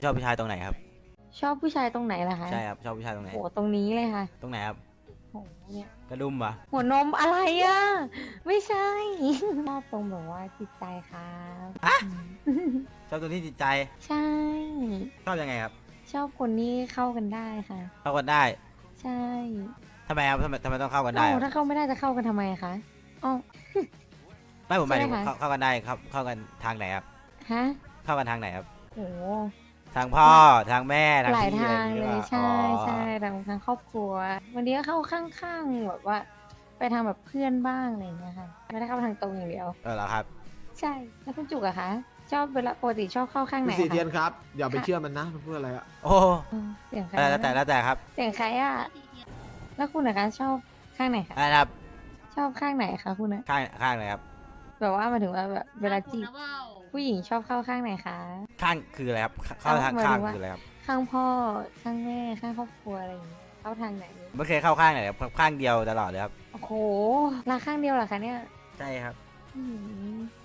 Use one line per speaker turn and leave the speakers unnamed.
ชอบผู้ชายตรงไหนครับ
ชอบผู้ชายตรงไหนล่ะคะ
ใช่ครับชอบผู้ชายตรงไหน
โหตรงนี้เลยค่ะ
ตรงไหนครับ
โหเนี่ย
กระดุมปะ
หัวนมอะไรอ่ะไม่ใช่ชอบตรงแบบว่าจิตใจครับอืม
ชอบตรงที่จิตใจ
ใช่
ชอบยังไงครับ
ชอบคนที่เข้ากันได้ค่ะ
เข้ากันได้
ใช่
ทำไมครับทำไมต้องเข้ากันได้
เอ้า
ครับ
ถ้าเข้าไม่ได้จะเข้ากันทำไมคะอ๋อ
ไม่ผมหมายถึง
ใช่ไหมคะ
เข้ากันได้ครับเข้ากันทางไหนครับ
ฮะ
เข้ากันทางไหนครับ
โห
ทางพ่อทางแม่ทาง
หลาย
พี่อะไรอ
ทาง
ย่างงี้หรือเปล่า
เลยใช่
อ๋อ
ใช่ทางครอบครัววันนี้ก็เข้าข้างๆแบบว่า ไปทางแบบเพื่อนบ้างอะไรอย่างเงี้ยค่ะไม่ได้เข้าทางตรงอย่างเดียว
เหรอครับ
ใช่แล้วคุณจุกอะคะชอบเวลาปกติชอบเข้าข้างไหน
คุณสีเทียน
คะ
ครับอย่าไปเชื่อมันนะมันพูดอะไรอะ
โอ้
เสียงใคร
แล้วแต่ครับ
เสียงใครอะแล้วคุณนะคะชอบข้างไหนคะ
อะไรนะครับ
ชอบข้างไหนคะคุณนะ
ข้างเลยครับ
แบบว่าหมายถึงว่าแบบเวลาจีบผู้หญิงชอบเข้าข้างไหนคะ
ข้างคืออะไรครับเข้าทาง
หมาย
ข้าง
ถึงว่า
คืออะไรครับ
ข้างพ่อข้างแม่ข้างครอบครัวอะไรอย่างเงี้ยเข้าทางไหน
ไม่เคยเข้าข้างไหนครับข้างเดียวตลอดเลยครับ
โอ้โหรักข้างเดียวเหรอคะเนี่ย
ใช่ครับ
อืม